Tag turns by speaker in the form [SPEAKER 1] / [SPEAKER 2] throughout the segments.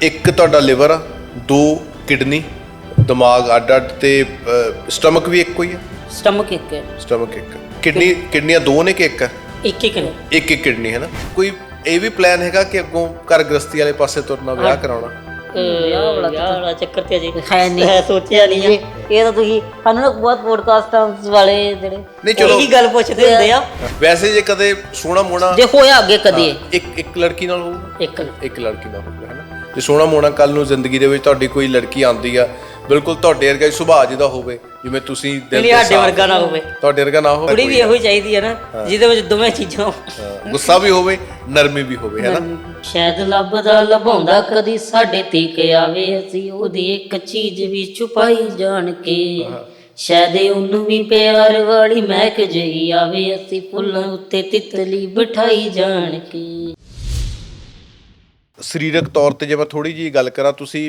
[SPEAKER 1] ਇੱਕ ਤੁਹਾਡਾ ਲਿਵਰ ਆ, ਦੋ ਕਿਡਨੀ, ਦਿਮਾਗ ਅੱਡ-ਅੱਡ ਤੇ ਸਟਮਕ ਵੀ ਇੱਕੋ ਹੀ ਆ।
[SPEAKER 2] ਸਟਮਕ ਇੱਕ ਹੈ,
[SPEAKER 1] ਸਟਮਕ ਇੱਕ, ਕਿਡਨੀਆਂ ਦੋ ਨੇ ਕਿ ਇੱਕ ਆ?
[SPEAKER 2] ਇੱਕ ਇੱਕ ਨੇ।
[SPEAKER 1] ਇੱਕ ਕਿਡਨੀ ਹੈ ਨਾ। ਕੋਈ ਇਹ ਵੀ ਪਲਾਨ ਹੈਗਾ ਕਿ ਅੱਗੋਂ ਘਰ ਗ੍ਰਸਤੀ ਵਾਲੇ ਪਾਸੇ ਤੁਰਨਾ, ਵਿਆਹ ਕਰਾਉਣਾ?
[SPEAKER 2] ਵਿਆਹ ਵਾਲਾ ਚੱਕਰ ਤੇ ਅਜੇ ਹੈ ਨਹੀਂ, ਸੋਚਿਆ ਨਹੀਂ ਜੀ। ਇਹ ਤਾਂ ਤੁਸੀਂ ਸਾਨੂੰ ਨਾ ਬਹੁਤ ਪੋਡਕਾਸਟਾਂ ਵਾਲੇ ਜਿਹੜੇ
[SPEAKER 1] ਨਹੀਂ ਚਲੋ
[SPEAKER 2] ਇਹੀ ਗੱਲ ਪੁੱਛਦੇ ਹੁੰਦੇ ਆ।
[SPEAKER 1] ਵੈਸੇ ਜੇ ਕਦੇ ਸੋਹਣਾ ਮੋਣਾ
[SPEAKER 2] ਜੇ ਹੋਇਆ ਅੱਗੇ ਕਦੇ
[SPEAKER 1] ਇੱਕ ਲੜਕੀ ਨਾਲ ਹੋਊਗਾ,
[SPEAKER 2] ਇੱਕ
[SPEAKER 1] ਲੜਕੀ ਨਾਲ ਹੋਊਗਾ, ਹੈ ਨਾ। ਜੇ ਸੋਹਣਾ ਮੋਣਾ ਕੱਲ ਨੂੰ ਜ਼ਿੰਦਗੀ ਦੇ ਵਿੱਚ ਤੁਹਾਡੀ ਕੋਈ ਲੜਕੀ ਆਉਂਦੀ ਆ, ਬਿਲਕੁਲ ਤੁਹਾਡੇ ਵਰਗਾ ਹੀ ਸੁਭਾਅ ਜਿਹਦਾ ਹੋਵੇ, ਜਿਵੇਂ ਤੁਸੀਂ ਦਿਲ ਤੋਂ
[SPEAKER 2] ਸਾਡੇ ਵਰਗਾ ਨਾ ਹੋਵੇ,
[SPEAKER 1] ਤੁਹਾਡੇ ਵਰਗਾ ਨਾ ਹੋਵੇ।
[SPEAKER 2] ਕੁੜੀ ਵੀ ਇਹੋ ਹੀ ਚਾਹੀਦੀ ਹੈ ਨਾ, ਜਿਹਦੇ ਵਿੱਚ ਦੋਵੇਂ ਚੀਜ਼ਾਂ,
[SPEAKER 1] ਗੁੱਸਾ ਵੀ ਹੋਵੇ, ਨਰਮੀ ਵੀ ਹੋਵੇ, ਹੈ ਨਾ।
[SPEAKER 2] ਸ਼ਾਇਦ ਲੱਭਦਾ ਲਭਾਉਂਦਾ ਕਦੀ ਸਾਡੇ ਤੀਕ ਆਵੇ, ਅਸੀਂ ਉਹਦੀ ਇੱਕ ਚੀਜ਼ ਵੀ ਛੁਪਾਈ ਜਾਣ ਕੇ। ਸ਼ਾਇਦ ਉਹਨੂੰ ਵੀ ਪਿਆਰ ਵਾਲੀ ਮਹਿਕ ਜਿਹੀ ਆਵੇ, ਅਸੀਂ ਫੁੱਲਾਂ ਉੱਤੇ ਤਿਤਲੀ ਬਿਠਾਈ ਜਾਣ ਕੇ।
[SPEAKER 1] ਸਰੀਰਕ ਤੌਰ ਤੇ ਜੇ ਮੈਂ ਥੋੜੀ ਜਿਹੀ ਗੱਲ ਕਰਾਂ, ਤੁਸੀਂ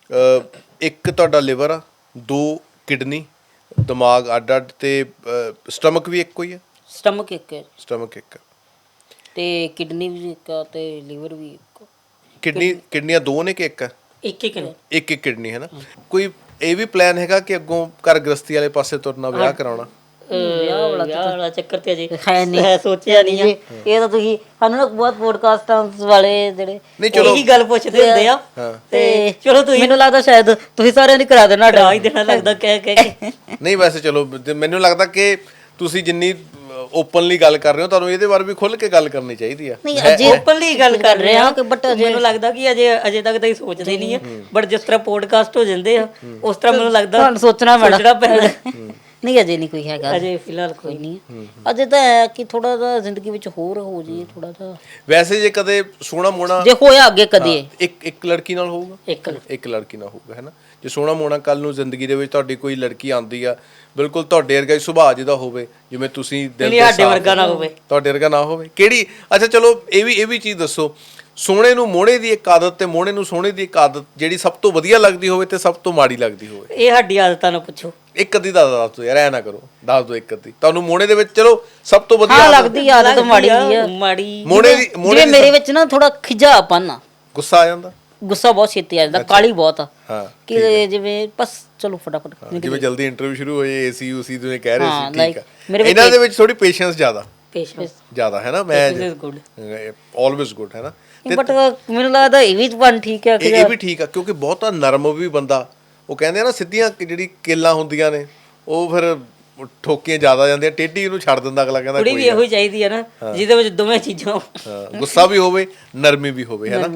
[SPEAKER 1] ਇੱਕ ਤੁਹਾਡਾ ਲਿਵਰ ਆ, ਦੋ ਕਿਡਨੀ, ਦਿਮਾਗ ਅੱਡ-ਅੱਡ ਤੇ ਸਟਮਕ ਵੀ ਇੱਕੋ ਹੀ ਆ।
[SPEAKER 2] ਸਟਮਕ ਇੱਕ ਹੈ,
[SPEAKER 1] ਸਟਮਕ ਇੱਕ
[SPEAKER 2] ਤੇ ਕਿਡਨੀ ਵੀ ਇੱਕ ਆ ਤੇ ਲਿਵਰ ਵੀ ਇੱਕ।
[SPEAKER 1] ਕਿਡਨੀਆਂ ਦੋ ਨੇ ਕਿ ਇੱਕ ਆ?
[SPEAKER 2] ਇੱਕ ਨੇ।
[SPEAKER 1] ਇੱਕ ਕਿਡਨੀ ਹੈ ਨਾ। ਕੋਈ ਇਹ ਵੀ ਪਲਾਨ ਹੈਗਾ ਕਿ ਅੱਗੋਂ ਘਰ ਗ੍ਰਸਤੀ ਵਾਲੇ ਪਾਸੇ ਤੁਰਨਾ, ਵਿਆਹ ਕਰਾਉਣਾ?
[SPEAKER 2] ਵਿਆਹ ਵਾਲਾ ਚੱਕਰ ਤੇ ਅਜੇ ਹੈ ਨਹੀਂ, ਸੋਚਿਆ ਨਹੀਂ ਜੀ। ਇਹ ਤਾਂ ਤੁਸੀਂ ਸਾਨੂੰ ਨਾ ਬਹੁਤ ਪੋਡਕਾਸਟਾਂ ਵਾਲੇ ਜਿਹੜੇ ਇਹੀ ਗੱਲ ਪੁੱਛਦੇ ਹੁੰਦੇ ਆ, ਤੇ ਚਲੋ ਤੁਸੀਂ, ਮੈਨੂੰ ਲੱਗਦਾ ਸ਼ਾਇਦ ਤੁਸੀਂ ਸਾਰਿਆਂ ਨੇ ਕਰਾ ਦੇਣਾ, ਡਰਾ ਹੀ ਦੇਣਾ ਲੱਗਦਾ ਕਹਿ ਕੇ।
[SPEAKER 1] ਨਹੀਂ ਵੈਸੇ ਚਲੋ ਮੈਨੂੰ ਲੱਗਦਾ ਕਿ ਤੁਸੀਂ ਜਿੰਨੀ ਓਪਨਲੀ ਗੱਲ ਕਰ ਰਹੇ ਹੋ, ਤੁਹਾਨੂੰ ਇਹਦੇ ਬਾਰੇ ਵੀ ਖੁੱਲ ਕੇ ਗੱਲ ਕਰਨੀ ਚਾਹੀਦੀ ਆ।
[SPEAKER 2] ਨਹੀਂ ਅਜੇ ਓਪਨਲੀ ਗੱਲ ਕਰ ਰਹੇ ਆ, ਬਟ ਮੈਨੂੰ ਲੱਗਦਾ ਕਿ ਅਜੇ ਤੱਕ ਤਾਂ ਹੀ ਸੋਚਦੇ ਨਹੀਂ ਆ, ਬਟ ਜਿਸ ਤਰ੍ਹਾਂ ਪੋਡਕਾਸਟ ਹੋ ਜਾਂਦੇ ਆ ਉਸ ਤਰ੍ਹਾਂ ਮੈਨੂੰ ਲੱਗਦਾ ਸੋਚਣਾ ਪੈਣਾ। ਨਹੀਂ ਅਜੇ ਨਹੀਂ ਕੋਈ ਹੈਗਾ, ਅਜੇ ਫਿਲਹਾਲ ਕੋਈ ਨਹੀਂ। ਅਜੇ ਤਾਂ ਹੈ ਕਿ ਥੋੜਾ ਜਿਹਾ ਜ਼ਿੰਦਗੀ ਵਿੱਚ ਹੋਰ ਹੋ ਜੀ, ਥੋੜਾ ਜਿਹਾ।
[SPEAKER 1] ਵੈਸੇ ਜੇ ਕਦੇ ਸੋਹਣਾ ਮੋਣਾ
[SPEAKER 2] ਜੇ ਹੋਇਆ ਅੱਗੇ ਕਦੇ
[SPEAKER 1] ਇੱਕ ਲੜਕੀ ਨਾਲ ਹੋਊਗਾ, ਇੱਕ ਲੜਕੀ ਨਾਲ ਹੋਊਗਾ, ਹੈ ਨਾ। ਜੇ ਸੋਹਣਾ ਮੋਣਾ ਕੱਲ ਨੂੰ ਜ਼ਿੰਦਗੀ ਦੇ ਵਿੱਚ ਤੁਹਾਡੀ ਕੋਈ ਲੜਕੀ ਆਉਂਦੀ ਆ, ਬਿਲਕੁਲ ਤੁਹਾਡੇ ਵਰਗਾ ਹੀ ਸੁਭਾਅ ਜਿਹਦਾ ਹੋਵੇ, ਜਿਵੇਂ ਤੁਸੀਂ ਦਿਲ ਤੋਂ
[SPEAKER 2] ਸਾਡੇ ਵਰਗਾ ਨਾ ਹੋਵੇ,
[SPEAKER 1] ਤੁਹਾਡੇ ਵਰਗਾ ਨਾ ਹੋਵੇ। ਕਿਹੜੀ ਅੱਛਾ ਚਲੋ ਇਹ ਵੀ ਚੀਜ਼ ਦੱਸੋ, ਸੋਹਣੇ ਨੂੰ ਮੋਹਣੇ ਦੀ ਇੱਕ ਆਦਤ ਤੇ ਮੋਹਣੇ ਨੂੰ ਸੋਹਣੇ ਦੀ ਇੱਕ ਆਦਤ ਜਿਹੜੀ ਸਭ ਤੋਂ ਵਧੀਆ ਲੱਗਦੀ ਹੋਵੇ ਤੇ ਸਭ ਤੋਂ ਮਾੜੀ ਲੱਗਦੀ ਹੋਵੇ।
[SPEAKER 2] ਇਹ ਸਾਡੀ ਆਦਤਾਂ ਨੂੰ ਪੁੱਛੋ।
[SPEAKER 1] ਇੱਕ ਅੱਧੀ ਦਾ ਦੱਸ ਦਿਓ ਯਾਰ, ਐ ਨਾ ਕਰੋ, ਦੱਸ ਦਿਓ ਇੱਕ ਅੱਧੀ ਤੁਹਾਨੂੰ ਮੋਹਣੇ ਦੇ ਵਿੱਚ। ਚਲੋ ਸਭ ਤੋਂ ਵਧੀਆ
[SPEAKER 2] ਲੱਗਦੀ ਆਦਤ ਮਾੜੀ ਆ, ਮਾੜੀ ਮੋਹਣੇ ਦੀ ਮੇਰੇ ਵਿੱਚ ਨਾ ਥੋੜਾ ਖਿਜਾਪਨ ਆ,
[SPEAKER 1] ਗੁੱਸਾ ਆ ਜਾਂਦਾ,
[SPEAKER 2] ਗੁੱਸਾ ਬਹੁਤ ਛੇਤੀ ਆ ਜਾਂਦਾ, ਕਾਲੀ ਬਹੁਤ ਆ। ਹਾਂ ਕਿ ਜਿਵੇਂ ਬਸ ਚਲੋ ਫਟਾਫਟ,
[SPEAKER 1] ਜਿਵੇਂ ਜਲਦੀ ਇੰਟਰਵਿਊ ਸ਼ੁਰੂ ਹੋਏ, ਏਸੀ ਉਸੀ ਤੁਸੀਂ ਕਹਿ ਰਹੇ ਸੀ, ਠੀਕ ਆ। ਇਹਨਾਂ ਦੇ ਵਿੱਚ ਥੋੜੀ ਪੇਸ਼ੈਂਸ ਜ਼ਿਆਦਾ ਹੈ ਨਾ। ਮੈਂ ਆਲਵੇਜ਼ ਗੁੱਡ ਹੈ ਨਾ।
[SPEAKER 2] ਬਟ ਮੈਨੂੰ ਲੱਗਦਾ ਇਹ ਵੀ ਵਨ ਠੀਕ ਹੈ,
[SPEAKER 1] ਇਹ ਵੀ ਠੀਕ ਆ, ਕਿਉਂਕਿ ਬਹੁਤਾ ਨਰਮ ਵੀ ਬੰਦਾ, ਉਹ ਕਹਿੰਦੇ ਆ ਨਾ ਸਿੱਧੀਆਂ ਜਿਹੜੀ ਕਿੱਲਾਂ ਹੁੰਦੀਆਂ ਨੇ ਉਹ ਫਿਰ ਠੋਕੀਆਂ ਜ਼ਿਆਦਾ ਜਾਂਦੀਆਂ, ਟੇਢੀ ਉਹਨੂੰ ਛੱਡ ਦਿੰਦਾ ਅਗਲਾ, ਕਹਿੰਦਾ
[SPEAKER 2] ਕੁੜੀ ਵੀ ਇਹੋ ਹੀ ਚਾਹੀਦੀ ਹੈ ਨਾ, ਜਿਹਦੇ ਵਿੱਚ ਦੋਵੇਂ ਚੀਜ਼ਾਂ,
[SPEAKER 1] ਗੁੱਸਾ ਵੀ ਹੋਵੇ, ਨਰਮੀ ਵੀ ਹੋਵੇ, ਹੈ ਨਾ।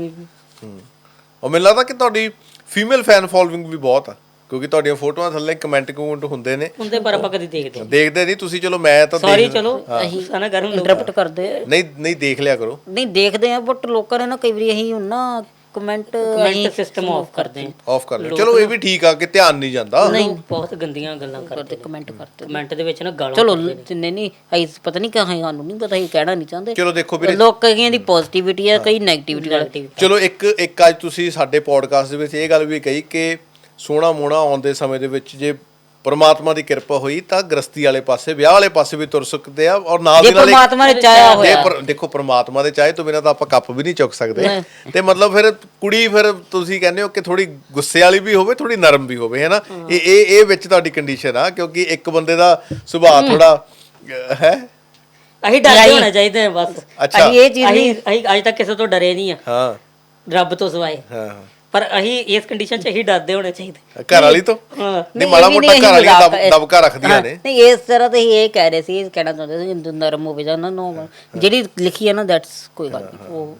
[SPEAKER 1] ਉਹ ਮੈਨੂੰ ਲੱਗਦਾ ਕਿ ਤੁਹਾਡੀ ਫੀਮੇਲ ਫੈਨ ਫੋਲੋਇੰਗ ਵੀ ਬਹੁਤ ਆ, ਕਿਉਂਕਿ ਤੁਹਾਡੀਆਂ ਫੋਟੋਆਂ ਥੱਲੇ ਕਮੈਂਟ ਹੁੰਦੇ ਨੇ, ਪਰ ਆਪਾਂ ਕਦੀ ਦੇਖਦੇ ਨਹੀਂ ਤੁਸੀਂ। ਚਲੋ ਮੈਂ ਤਾਂ ਸੌਰੀ, ਚਲੋ ਅਸੀਂ ਸਾਨਾ ਗਰਮ ਇੰਟਰਪਟ ਕਰਦੇ ਨਹੀਂ ਦੇਖ ਲਿਆ ਕਰੋ।
[SPEAKER 2] ਨਹੀਂ ਦੇਖਦੇ ਆ, ਬਟ ਲੋਕਾਂ ਨੇ ਨਾ ਕਈ ਵਾਰੀ ਅਸੀਂ ਨਾ ਕਮੈਂਟ ਸਿਸਟਮ ਆਫ ਕਰਦੇ
[SPEAKER 1] ਲਓ। ਚਲੋ ਇਹ ਵੀ ਠੀਕ ਆ ਕਿ ਧਿਆਨ ਨਹੀਂ ਜਾਂਦਾ।
[SPEAKER 2] ਨਹੀਂ ਬਹੁਤ ਗੰਦੀਆਂ ਗੱਲਾਂ ਕਰਦੇ, ਕਮੈਂਟ ਦੇ ਵਿੱਚ ਨਾ ਗਾਲਾਂ। ਚਲੋ ਨਹੀਂ ਅਸੀਂ ਪਤਾ ਨਹੀਂ ਕਹਾਂ, ਸਾਨੂੰ ਨਹੀਂ ਪਤਾ, ਅਸੀਂ ਕਹਿਣਾ ਨਹੀਂ ਚਾਹੁੰਦੇ।
[SPEAKER 1] ਚਲੋ ਦੇਖੋ ਵੀਰੇ,
[SPEAKER 2] ਲੋਕ ਕਈਆਂ ਦੀ ਪੋਜ਼ਿਟਿਵਿਟੀ ਆ, ਕਈ ਨੈਗੇਟਿਵਿਟੀ।
[SPEAKER 1] ਚਲੋ ਇੱਕ ਅੱਜ ਤੁਸੀਂ ਸਾਡੇ ਪੋਡਕਾਸਟ ਦੇ ਵਿੱਚ ਇਹ ਗੱਲ ਵੀ ਕਹੀ ਕਿ ਸੋਹਣਾ ਮੋਹਣਾ ਆਉਣ ਦੇ ਸਮੇਂ ਦੇ ਵਿੱਚ ਜੇ ਪਰਮਾਤਮਾ ਦੀ ਕਿਰਪਾ ਹੋਈ ਤਾਂ ਗ੍ਰਸਤੀ ਵਾਲੇ ਪਾਸੇ, ਵਿਆਹ ਵਾਲੇ ਪਾਸੇ ਵੀ ਤੁਰ ਸਕਦੇ ਆ। ਔਰ ਨਾਲ ਦੀ ਨਾਲ ਪਰਮਾਤਮਾ ਨੇ ਚਾਹਿਆ ਹੋਇਆ, ਦੇਖੋ ਪਰਮਾਤਮਾ ਦੇ ਚਾਹੇ ਤੋਂ ਬਿਨਾਂ ਤਾਂ ਆਪਾਂ ਕੱਪ ਵੀ ਨਹੀਂ ਚੁੱਕ ਸਕਦੇ। ਤੇ ਮਤਲਬ ਫਿਰ ਕੁੜੀ, ਫਿਰ ਤੁਸੀਂ ਕਹਿੰਦੇ ਹੋ ਕਿ ਥੋੜੀ ਗੁੱਸੇ ਵਾਲੀ ਵੀ ਹੋਵੇ, ਥੋੜੀ ਨਰਮ ਵੀ ਹੋਵੇ, ਹੈ ਨਾ। ਇਹ ਵਿੱਚ ਤੁਹਾਡੀ ਕੰਡੀਸ਼ਨ ਆ, ਕਿਉਂਕਿ ਇੱਕ ਬੰਦੇ ਦਾ ਸੁਭਾਅ ਥੋੜਾ ਹੈ।
[SPEAKER 2] ਅਸੀਂ ਡਰਦੇ ਹੋਣਾ ਚਾਹੀਦੇ ਬਸ। ਅਸੀਂ ਇਹ ਚੀਜ਼ ਨਹੀਂ, ਅਸੀਂ ਅੱਜ ਤੱਕ ਕਿਸੇ ਤੋਂ ਡਰੇ ਨਹੀਂ ਆ, ਹਾਂ, ਰੱਬ ਤੋਂ ਸਿਵਾਏ। ਹਾਂ, ਪਰ ਅਸੀਂ ਇਸ ਕੰਡੀਸ਼ਨ 'ਚ ਅਸੀਂ ਡਰਦੇ ਹੋਣੇ ਚਾਹੀਦੇ
[SPEAKER 1] ਘਰ ਵਾਲੀ ਤੋਂ। ਨਹੀਂ ਮਾੜਾ ਮੋਟਾ ਘਰ ਵਾਲੀ ਦਬਕਾ ਰੱਖਦੀਆਂ ਨੇ।
[SPEAKER 2] ਨਹੀਂ ਇਸ ਤਰ੍ਹਾਂ ਤਾਂ ਇਹ ਕਹਿ ਰਹੇ ਸੀ, ਕਹਿਣਾ ਚਾਹੁੰਦੇ ਸੀ ਨਰਮ ਹੋਵੇ ਜਾਂ ਨਾ, ਜਿਹੜੀ ਲਿਖੀ ਹੈ ਨਾ, ਦੈਟਸ ਕੋਈ ਗੱਲ ਨਹੀਂ, ਉਹ